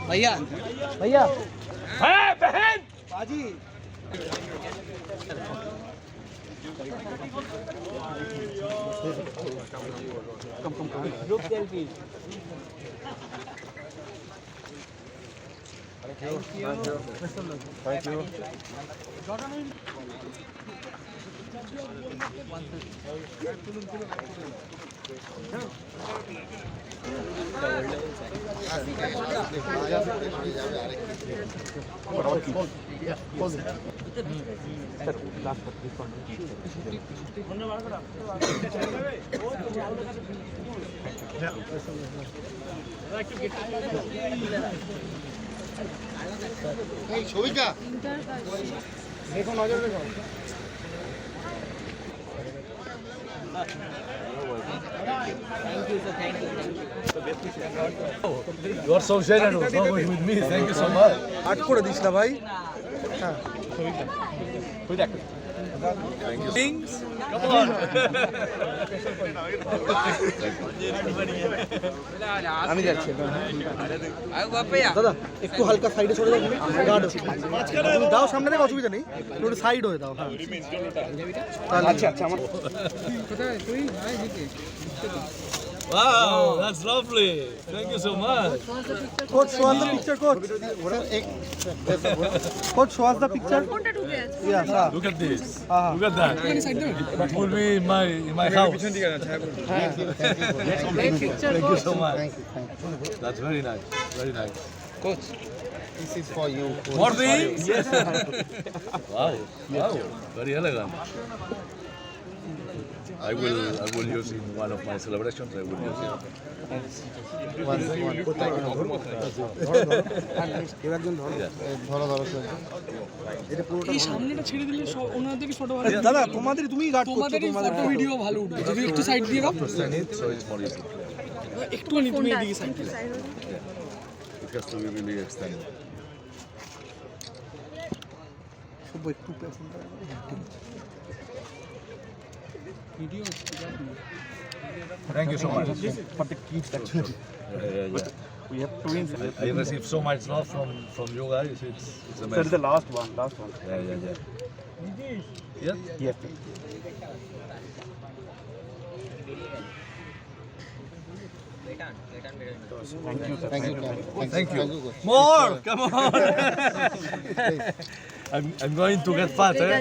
भैया भैया है बहन बाजी ग्रुप सेल्फी थैंक यू ছবিটা দেখো নজর রেখো You are so generous, so much with me. Thank you so much. আট করে দিস না ভাই হ্যাঁ Thank you. Things. Come on. আমি যাচ্ছি দাদা একটু হালকা সাইডে সরে যাও গার্ড তুমি দাও সামনে থেকে অসুবিধা নেই একটু সাইড হয়ে দাও হ্যাঁ আচ্ছা আচ্ছা আমার কোথায় তুই Wow, that's lovely. Thank you so much. coach show us the picture coach coach show us the picture yeah sir Look at this. Uh-huh. Look at that. It will be in my house. Thank you so much. That's very nice. Very nice. coach this is for you More things? Yes. Wow. Wow. Very elegant. I will use in one of my celebrations. I will use it. এই সামনেটা ছেড়ে দিলে ওনাদেরকে photo ভালো দাদা তোমাদের তুমি guard করছো তোমাদের ফটো ভিডিও ভালো উঠবে যদি একটু সাইড দিয়ে দাও So it's more easy. একটুখানি তুমি এদিকে সাইড দিয়ে It has to be really extended. শুভ একটু পেছনটা video Thank you so much. For the kids, actually. Yeah. we have twins I received so much love from you guys. It's amazing. sir the last one Yeah. Yeah. yes Thank you. More. Come on. I'm going to get fat. Eh?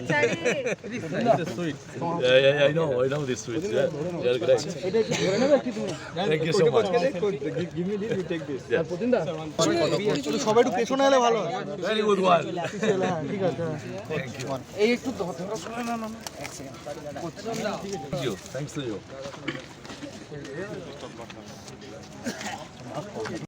Yeah. I know these sweets. Yeah. They're great. Thank you so much. give me this you take this Yeah. সবাই একটু পেছনে এলে ভালো হয় Very good one. ঠিক আছে Thank you. এই একটু ধরো না না Thank you. Thanks to you.